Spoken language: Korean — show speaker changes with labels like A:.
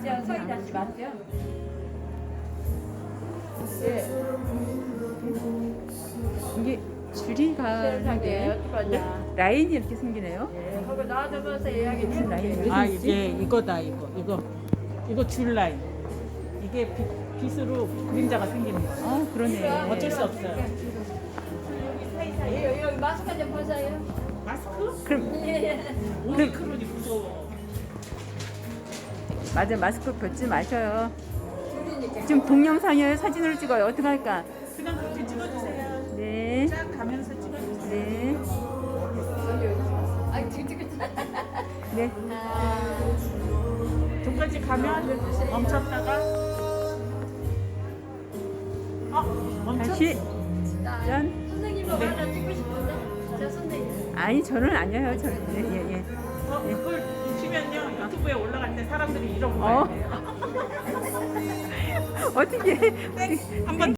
A: 저 서희다 씨 맞죠? 예.
B: 이게 줄이 가는데
A: 세상에 어떡하냐.
B: 라인이 이렇게 생기네요.
A: 예, 그거 놔둬서 예약이
B: 무슨 라인이
A: 됐지.
B: 왜
C: 아
B: 생기지?
C: 이게 이거다 이거 줄 라인. 이게 빛으로 그림자가 생기는 거야.
B: 아 그러네.
C: 어쩔 수 없어요.
A: 여기 마스크 좀 벗어요.
C: 마스크?
B: 그럼
C: 오미크론이 무서워.
B: 맞아, 마스크 벗지 마셔요. 지금 동영상이에요, 사진으로 찍어요. 어떡할까?
C: 그냥 그렇게 찍어주세요.
B: 네,
C: 쫙 가면서 찍어주세요.
B: 네,
A: 아, 지금
B: 네.
C: 저까지 가면 멈췄다가 멈췄.
B: 다시. 짠.
A: 선생님 하나 찍고 싶은데. 저 선생님.
B: 아니, 저는 아니에요. 저는. 예, 예.
C: 그걸 놓치면요 유튜브에 올라갈 때 사람들이 이러고
B: 어.
C: 가야 돼요.
B: 어떻게.
C: 한번